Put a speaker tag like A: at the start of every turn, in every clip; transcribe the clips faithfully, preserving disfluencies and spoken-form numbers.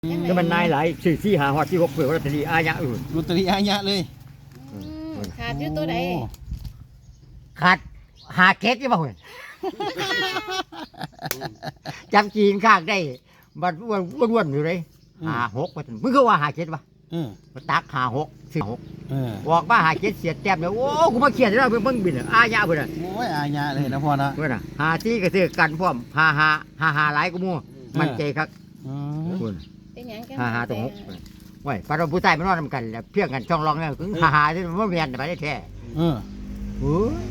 A: ก็มันนายหลายสี่สี่หาฮอดที่หกเปิดลอตเตอรี่อาญะอื่น
B: ลอตเตอรี่อาญะเลย
C: อืมขาดอยู่ตัวใด
B: โอ้
A: ขาดหาเก็ดยังบ่เห็นจำจีนข้างได้บัดอ้วนอ้วนอยู่เลยหาหกว่ามึงคือว่าหาเก็ดวะ
B: เออ
A: มาตักหาหกสี่หก
B: เออ
A: บอกว่าหาเก็ดเสียแต้มแล้วโอ้กูมาเขียนแล้วเบิ่งบินอาญะเพิ่นน่ะ
B: โอ้ยอาญะเลยนะพ่อนะ
A: เพิ่นน่ะหาที่ก็ซื้อกันพร้อมหาหาหาหาหลายกูมู่มันใจครับ
B: อืม
A: คุณ
C: เป็นหยังกัน
A: หาหาตรงหกไว้ปาเราผู้ชายมันนอนนำกันแล้วเพียงกันช่องรองแล้วถึงหาหาที่มันบ่แม่นไปได้แท้
B: เออ
A: โอ้ย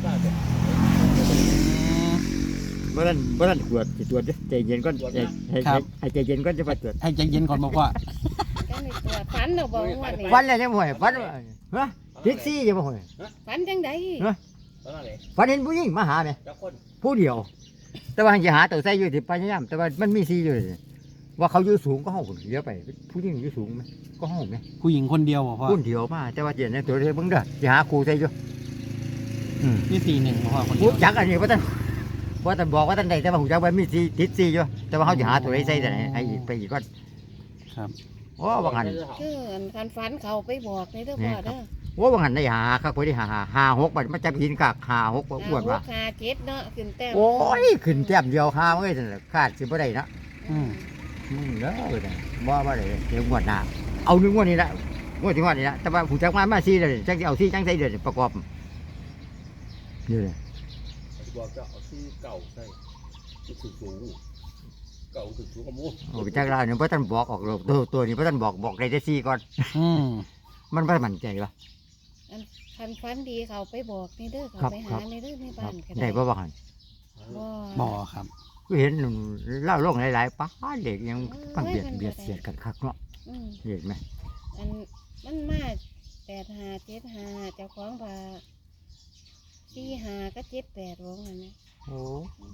A: บ่ทันบ่ทันตรวจสิตรวจใจเย็นก่อนใจให้ให้ใจเย็นก่อนจะไปตรวจ
B: ให้ใจเย็นก่อนบอกว่า
C: กันในตัวฝันเราบอกว่านี่
A: ฟันแล้วยังบ่ให้ฟันฮะทิกซี่ยังบ่ให้
C: ฝันจังได
A: ฟันเห็นผู้หญิงมาหาแม่
D: เจ้าคน
A: ผู้เดียว แต่ว่าจะหาตัวใส่อยู่ที่พยายามแต่ว่ามันมีซีอยู่ว่าเขาอยู่สูงก็ห้องคนเลี้ยวไปผู้หญิงอยู่สูงไหมก็ห้องไหม
B: ผู้หญิงคนเดียวบอกพ่อ
A: คนเดียวมาแต่ว่าเดี๋ยวนี้ตัวเดียวเบิ่งเด้อจะหาครูใส่อยู่อืม
B: นี่สี่หนึ่งบอกพ่อคนเดี
A: หู
B: ยว
A: จักอันนี้ว่าท่านว่าท่านบอกว่าท่านใดแต่ว่าหูจักว่ามีซีติดซีอยู่แต่ว่าเขาจะหาตัวใดใส่แต่ไหนไอ้ไปอีกก่อน
B: ครับ
A: โอ้บางหัน
C: คืออันคันฝันเขาไปบอกในเด้อพ่อเด้อ
A: โอ้บางหันได้หาครับพอได้หาหาหาหกบัดมันจะหินกากหาหกอ้วนว่า
C: หาเจ็ดเนาะขึ้นแต้ม
A: โอ้ยขึ้นแต้มเดียวหาเอ้ยนั่นแหละคาดสิบ่ได้นะ
B: อืม
A: มึงเด้อเด้อบ่บ่ได้เดี๋ยวงวดหน้าเอาหนึ่งงวดนี้ละงวดที่งวดนี้ละแต่ว่าผู้จักมามาซีเลยจังสิเอาซีจังใส่เด้อประกอบนี่เลย
D: บอกเจ้าเอาชื่อเก่าใส่ชื่อสูงสูงเก่าถึงสูงกว่ามู
A: โอ้ไปจักลาเนี่ยบ่ทันบอกออกโลกตัวตัวนี้บ่ทันบอกบอกได้แต่ซีก่อน
B: อืม
A: มันบ่มั่นใจวะ
C: อันคันฝันดีเขาไปบอกในเด้อเขา
A: ครับ
C: ไป
A: ครั
C: หา
A: บ
C: ในเด้อใน
A: ครั
C: บ้า
A: บ
C: นก็
A: ได้บ่บ่หัน
C: บ่
B: บอครับ
A: ก็เห็นเล่าโลกหลายๆป้าเด็กยังปังเบียดเบียดเสียดกันคักเนาะ
C: อืม
A: เห็นไหม
C: อันมันมาแปดหาเจ็ดหาเจ้าของว่าสี่หาก็เจ็ดแปดว่างั้นนะ
A: โอ้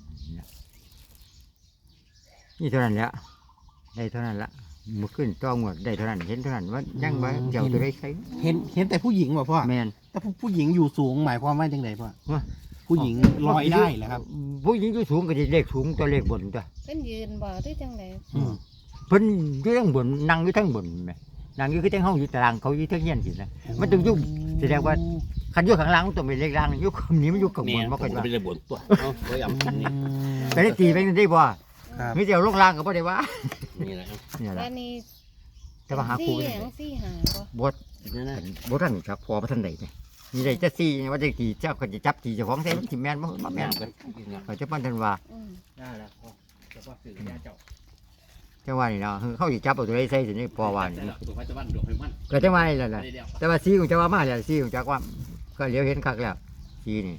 A: นี่เท่านั้นแหละได้เท่านั้นละมือขึ้นต้องหมดได้เท่านั้นเห็นเท่านั้นว่ายังบ่เจ้าตัวได้ใช้
B: เห็นเห็นแต่ผู้หญิงบอกพ่อ
A: แมน
B: แต่ผู้ผู้หญิงอยู่สูงหมายความว่าจังไดพ่อ
A: ฮะ
B: ผู้หญิงลอยได้เหรอครับ
A: ผู้หญิงอยู่สูงก็จะเลขสูงตัวเลขบนตัว
C: เป็นยืนบ่ที่จังได
B: อืม
A: เพิ่นอยู่ทั้งบนนั่งอยู่ทั้งบนแหมนั่งอยู่คือทั้งห้องอยู่ตารางเขาอยู่ทั้งเฮียนสินะ มันต้องอยู่แสดงว่า คันอยู่ข้างล่างมันต้องเป็นเลขล่างอยู่ข้างนี้มันอยู่ข้างบนบ่ค่อยว่า
D: เป็นระบบตัวเอาไว้ยำ
B: อื
D: นี่
B: ม
A: แต่ได้ตีไปได้บ่
B: ครับ
A: มีแต่เอาลงล่างก็บ่ได้ว่า
D: นี่แหละครับ
A: นี่แหละ
C: อันนี้
A: แต่ว่าหาครู
C: สี่
A: บ่
C: ห
A: ได้
C: ยังสี่หาบ่
A: บ่
D: นี่นะ
A: บ่ทันครับพอบ่ทันได้นี่มีได้จะซี่ว่าจะกี่เจ้าก็จะจับตีเจ้าของใส่มันสิแม่นบ่บ่แม่นเขาจะปั้นทันว่า
C: อืม
D: ได้แล้วพ่อจะว่าสื่อยาเจ้า
A: จังว่านี่เนาะเขาสิจับเอาตัวใดใส่สินี่พอว่านี่
D: ตัวพระเจ้าบ้านดอกไม้มัน
A: ก็จังว่านี่แหละ
D: ได้เดียว
A: แต่ว่าสีของเจ้าว่ามาแล้วสีของเจ้าว่าก็เหลียวเห็นคักแล้วสีนี่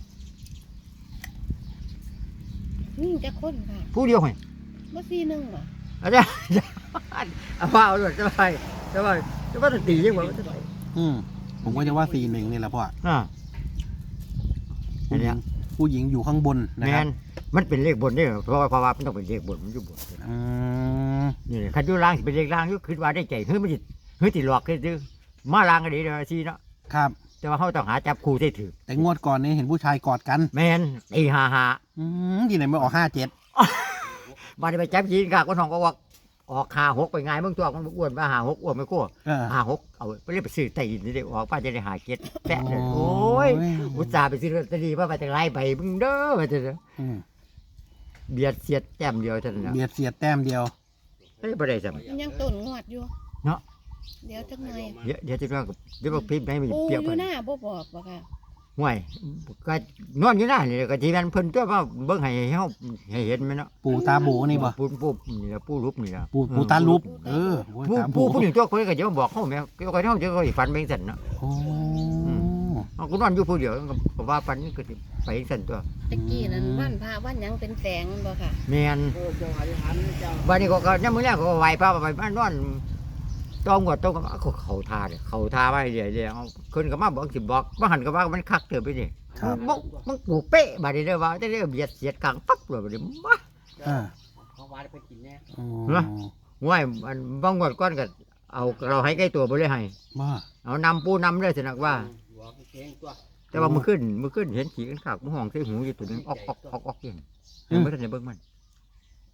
C: นี่จะคนค่ะ
A: ผู้เดียวไง
C: บ่สี่หนึ่งบ่
A: อาจารย์เอาว่าเอาด้วยจะไปจะไปจะว่าตียังไง
B: อืมผมก็จะว่าสี่หนึ่งนี่แหละพ่อ
A: อ่า อั
B: ผู้
A: น
B: ห
A: เนี้
B: ญิ
A: ย
B: งผู้หญิงอยู่ข้างบนนะ
A: แม
B: ครับ
A: นมันเป็นเลขบนนี่เพราะว่าเพราะว่ามันต้องเป็นเลขบนมันอยู่บน
B: อืม
A: นี่คันอยู่ล่างสิเป็นเลขล่างอยู่คิดว่าได้ใจเฮ้ยมันสิเฮ้ยติหลอกคือมาล่างก็ดีเลยสีเนาะ
B: ครับ
A: แต่ว่าเขาต้องหาจับคู่ได้ถือ
B: แต่งวดก่อนนี้เห็นผู้ชายกอดกัน
A: แมนตีหาหา
B: อืมที่ไหนไม่ออกห้าเจ็ด
A: บาดไปจับยีนกากคนห้องก็ว่าออกหาหกไปไงมึงตัวมันอ้วนมาหาหกอ้วนไม่กู้
B: เออ
A: หาหกเอาไปเรียกไปซื้อไต่นี่ได้ออกป้าจะได้หาเก็ดแปะเลยโอ้ยอุตส่าห์ไปซื้อลอตเตอรี่ว่าไปแต่ไรใบมึงเด้อไปเถอะ
B: อืม
A: เบียดเสียดแต้มเดียวเท่านั้นนะ
B: เบียดเสียดแต้มเดียว
A: เฮ้ยบ่ได้สัม
C: มันยังต้นงวดอยู่
A: เนาะ
C: เดี๋ยวจักหน่อย
A: เดี๋ยวเดี๋ยวจะว่าเดี๋ยวบอกพิมพ์ให้มัน
C: ปู
A: เปรียบ
C: อ
A: กั
C: ยู่
A: น
C: หน้าบ่บอกบ่ค่ะ
A: ห่วยก็นอนอยู่หน้านี่ก็ทีนั้นเพิ่นตัวว่าเบิ่งให้เฮาให้เห็นไหมเนาะ
B: ปูตาโบนี่บ่
A: ปูปูนี่ละปูรูปนี่ละ
B: ปูปูตาลุบเออ
A: ปู
B: ตาโบ
A: ปูผู้หญิงตัวคนก็จะมาบอกเฮาแม่ก็เขาเฮาจะก็สิฝันไปจังซั่นเนาะ
B: โอ้
A: เอากูนอนอยู่ผู้เดียวก็ว่าฝันก็สิไปจังซั่นตัว
C: ตะกี้นั้นวันพระวันหยังเป็นแสงมันบ่ค่ะ
A: แม่น
D: โอ้เจ้าอธิษฐานเจ้า
A: วันนี้ก็ก็ยังมื้อแรกก็ไหวพระไปบ้านนอนต้องกดต้องก็เขาทาเนี่ยเขาทาไว้เรื่อยๆเอาคนก็มาบอกสิบอกบ่หันก็ว่ามันคักเติบไปนี่
B: ครับ
A: มึงมึงกูเป๊ะบัดนี้เด้อว่าจะได้เบียดเสียดกลางปั๊บเลยบัดนี้มา
B: อ่า
D: เขาวาดไปกินแน่
B: อ๋อ
A: เหรอ ห่วยมันบางงวดก่อนก็เอาเราให้ใกล้ตัวบ่เลยให้
B: บ้า
A: เอานำปูนำเลยสินักว่า
D: หัวเก่งตัว
A: แต่ว่ามื้อขึ้นมื้อขึ้นเห็นขี้กันคักมื้อห้องใส่หูอยู่ตัวหนึงออกออกออกออกอยู่เห็นบ่ทันได้เบิ่งมันแข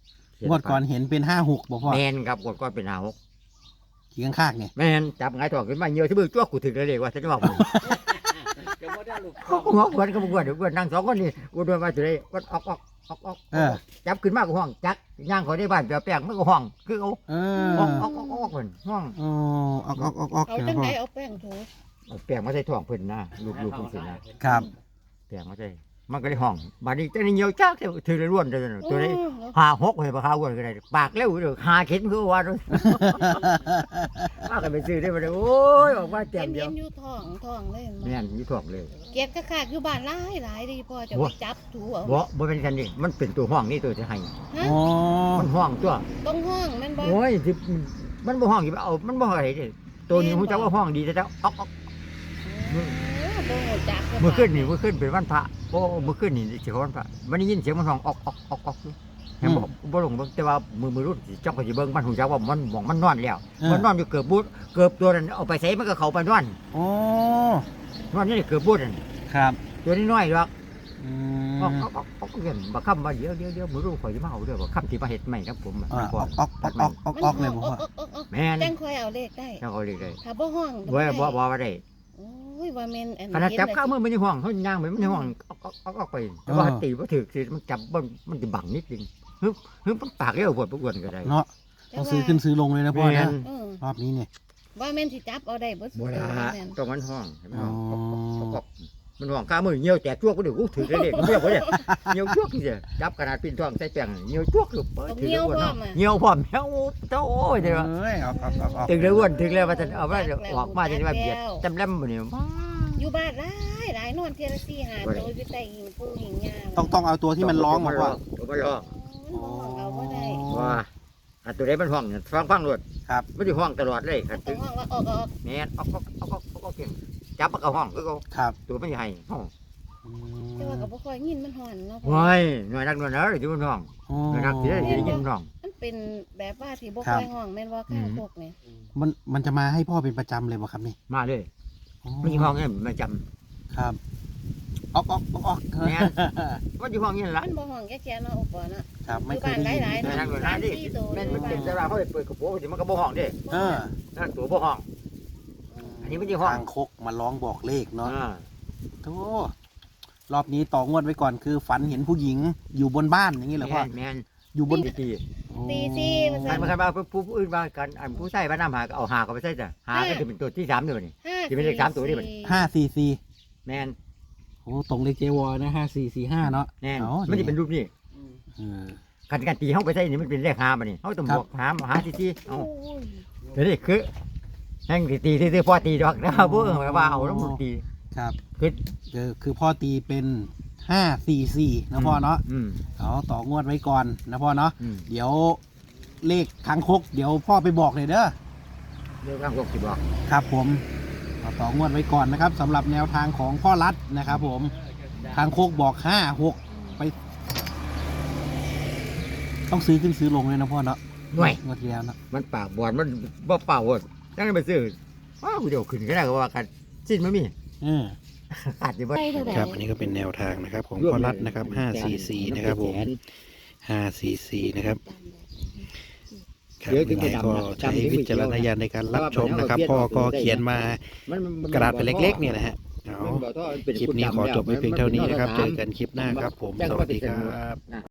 B: งวดก่อนเห็นเป็นห้าหกบอกพ่อ
A: แมนครับงวดก่อนเป็นหาหก
B: ขี่ข้างๆเนี่ย
A: แมนจับไงายท้องขึ้นมาเยอะที่มือจ้วกกูถึงเลยเลยว่าฉันจะบอกมึง
D: จะบ่ได้ลูก
A: เขาก็หัวกวนก็บกวนเดี๋ยวกวนนั่งสองคนนี่กวนมาถึงเลยกวนออกออกออกออก
B: เออ
A: จับขึ้นมาก็ห้องจักย่างเขาได้บ้านเปลี่ยนแปลงมันก็ห้องคือเอา
B: เอ
A: ออก
B: อ
A: ออกออกออกเพิ่นห้อง
B: โอ้ออกออกออกออก
C: เอา
B: นะ
C: จัง
B: พ่อ
C: ไดเอาแป้งถู
A: เอาแปลงมาใส่ท้องเพิ่นนะลูกลูกเพิ่นสินะครับ แปลงมาใส่มันก็ได้ห้องบัดนี้จังได้เหี่ยวจักเท่าถือได้ร่วนเลยนะตัวนี้
C: โอ้
A: หาหกให้ปลาขาวอ้วนก็ได้ปากเร็วเด้อหาเข็นคือว่าเด้อว่ากันไปซื้อได้บ่ได้โอ้ยออกมาแต้
C: เห็
A: ม
C: น
A: เดี
C: เห็
A: ยวน
C: อยู่ท้องท้องเลย
A: แม่นอยู่ท้องเลย
C: เก็บกะคากอยู่บ้านหลายหลายดีพ่อจะ
A: โอ้
C: ไปจับถูเอา
A: บ่บ่เป็นกันนี่มันเป็นตัวห้องนี่ตัวจะให้
C: ฮะ
B: อ๋อ
A: มันห้องตัว
C: ตรงห้องแม่นบ่
A: โอ้ยสิมันบ่ห้องอยู่เอามันบ่อะไรเด้ตัวนี้ฮู้จักว่าห้องดีแต่แล้วออกออก
C: โอ้บ่ฮู้จัก
A: เมื่อคืนนี่เมื่อคืนเป็นวันพระโอ้เมื่อคืนนี่สิเขาวันพระมันได้ยินเสียงมันห้องออกออกออกออกอยู่แม่นบ่บ่ลงเบิ่งแต่ว่ามือมือรุ่นสิจ้องก็สิเบิ่งมันฮู้จักว่ามันหม่องมันนอนแล้ว มันนอนอยู่เกือบบูดเกือบตัวนั้นเอาไปใส่มันก็เข้าไปนอน
B: โอ้
A: นอนนี่เกือบบูดนั่น
B: ครับ
A: ตัวนี้น้อยดอก
B: อื
A: ออก
B: ม
A: ออกออกออกเงินบ่ค้ำว่าเดี๋ยวเดี๋ยวเดี๋ยวมือรุ่นข่อยสิมาเอาเด้อบ่ค้ำที่มาเฮ็ดใหม่ครับผม
B: อ่าออกออกออกออกออกออกเลยบอกพ่อ
A: แม่น
C: จังค่อยเอาเลขได้
A: เจ้าเขาเลยได้
C: ถ้าบ่ห้อง
A: บ่บ่บ่ว่าได้
C: โอ้ยว่าแม่นอัน
A: ขนาดจับข้าวมือมันในห้องเขาย่างไปมันในห้องออกออกออกออกไปแต่ว่าตีบ่ถึกสิมันจับมันมันจะบังนิดนึงฮึบฮึบมันปากเร็วปวดปวดก็ได้
B: เนาะต้องซื้อขึ้นซื้อลงเลยนะพ่อ
A: แม่
B: นะ
A: น
C: เออ
B: รอบนี้เนี่ย
C: ว่าแม่นสิจับเอาได้บ่
A: บ่ได้
C: แม่น
A: ต้องมันห้องให้มันห้อง
B: อ๋อ
A: ออกออกออกมันห้องข้ามือเหี่ยวแตกชั่วก็เดี๋ยวกูถือเลยเด็กเหี่ยวบ่ได้เหี่ยวชั่วคือสิจับขนาดปีนท้องใส่แป้งเหี่ยวชั่วคือเปิดถือเลยอ้วนเนาะเหี่ยวพร้อมเหี่ยวโตโอ้ยเด้อ
B: เอ้ยออกออกออกออก
A: ถึงเลยอ้วนถึงเลยว่าจะเอาว่าออกมาจะว่าเบียดจำแลมบ่นี่
C: อยู่บ้านหลายหลายนอนเทยละสี่หา
A: บ่ได้
C: โตอยู่ใต้หิงปูหิงยา
B: ต้องต้องเอาตัวที่มันร้องบอกว่า
A: ตัวมันร้อง
C: มันบ่ห้องเอาบ่ได้
A: ว่าอันตัวใดมันห้องเนี่ยฟังฟังรวด
B: ครับ
A: ไม่ได้ห้องตลอดเลยครับ
C: ต้องห้องว่าออกออก
A: แม่นออกออกออกออกออกออกเก่งจับมันก็ห้องคือเขา
B: ครับ
A: ตัวมันใหญ่ห้อง
B: อื
C: แต่ว่าก็
B: ม
C: บ่ค่อยยินมันห่อนเนาะ
A: ว้ายหน่วยนักหน่วยเนอะที่มันห้อง
B: โอ้
A: หน่วยนักที่ได้ยินมันห้อง
C: มันเป็นแบบว่าที่บ่
B: ครั
C: ค่
B: บ
C: อยห้องแม่นว่าข้างพวกนี่
B: มันมันจะมาให้พ่อเป็นประจำเลยบ่ครับนี่
A: มาเลย
B: อ๋อ
A: มันอยู่ห้องเนี่ยมันจ
B: ครับออกออกออกออก
A: ำแม่นมันอยู่ห้องนี่ละ
C: มันบ่ห้องแก่ๆเนาะอุปเนาะ
B: ครับ
C: อ
B: ไม่
C: ยู่
B: เคย
C: บ้าน
B: ได้ยิน
C: หลายๆ
A: หน่วยนักหน่วยนักดิแม่นมันเป็นแต่ว่าเขาไปเปิดกระโปรงสิมันก็บ่ห้องเด้
B: เออ
A: นั่นตัวบ่ห้อง อันนี้มันอยู่ห้อง
B: ทางคกมาร้องบอกเลขเนาะ
A: อ่า
B: โธ่รอบนี้ต่องวดไว้ก่อนคือฝันเห็นผู้หญิงอยู่บนบ้านอย่างนี้เหรอพ่อ
A: แม่นแม่น
B: อยู่บน
A: ตีตี
C: ตีซี่ว่า
A: อั
C: ซั่
A: น
C: น
A: มันคันว่าผู้ผู้อื่นว่ากันอันผู้ใส่บ้านน้ำหาก็เอาหาก็ไปใส่จ้ะหาก็จะเป็นตัวที่สามเดี๋ยวนี้
C: ห้า
A: ที่เป็นเลขสามตัวนี่มัน
B: ห้าสี่สี่
A: แม่น
B: โอ้ตรงเลขเจวอนะห้าสี่สี่ห้าเนาะ
A: แน่น
B: อ๋อ
A: มันจะเป็นรูปนี้
B: เออ
A: การการตีเข้าไปใส่นี่มันเป็นเลขหาบัดนี้เขาต้อง
B: ครับ
A: บวกหาหาที่ที่เอา
C: โอ้ย
A: เดี๋ยวนี้คือแห่งตีตีตีพอตีดอกนะครับพวกว่าเอาแล้วมันตี
B: ครับ
A: คือ
B: คือคือพ่อตีเป็นห้าสี่สี่นะพ่อเนาะ
A: อืม
B: เอาต่องวดไว้ก่อนนะพ่อเนาะ
A: อืม
B: เดี๋ยวเลขคางคก เดี๋ยวพ่อไปบอกเลยเด้อ
A: เรื่องข้างพวกสิบอก
B: ครับผมเอาต่องวดไว้ก่อนนะครับสำหรับแนวทางของพ่อรัฐนะครับผมคางคกบอกห้าหกไป ต้องซื้อขึ้นซื้อลงเลยนะพ่อเนาะ
A: หน่วย
B: งวดที่แล้วเนาะ
A: มันปากบอลมันบ่เป่าหมดนั่นไปซื้อว้าวเดี๋ยวขึ้นก็ได้ก็ว่ากันสิ้นมันมี
B: เออ
A: ขาดอยู่บ่
C: ไปเท่าไหร่
B: ครับอันนี้ก็เป็นแนวทางนะครับของพ่อรัฐนะครับห้าสี่สี่นะครับผมห้าสี่สี่นะครับครับยังไงก็ใช้วิจารณญาณในการรับชมนะครับ พ่อก็เขียนมา
A: มันมัน
B: กระดาษแผ่นเล็กๆเนี่ยนะฮะเอา
A: มันบ่ท่อมัเป็
B: คลิปนี้ขอจบไว้เพียงเท่านี้นะครับ เจอกันคลิปหน้าครับผม สวัสดีครับ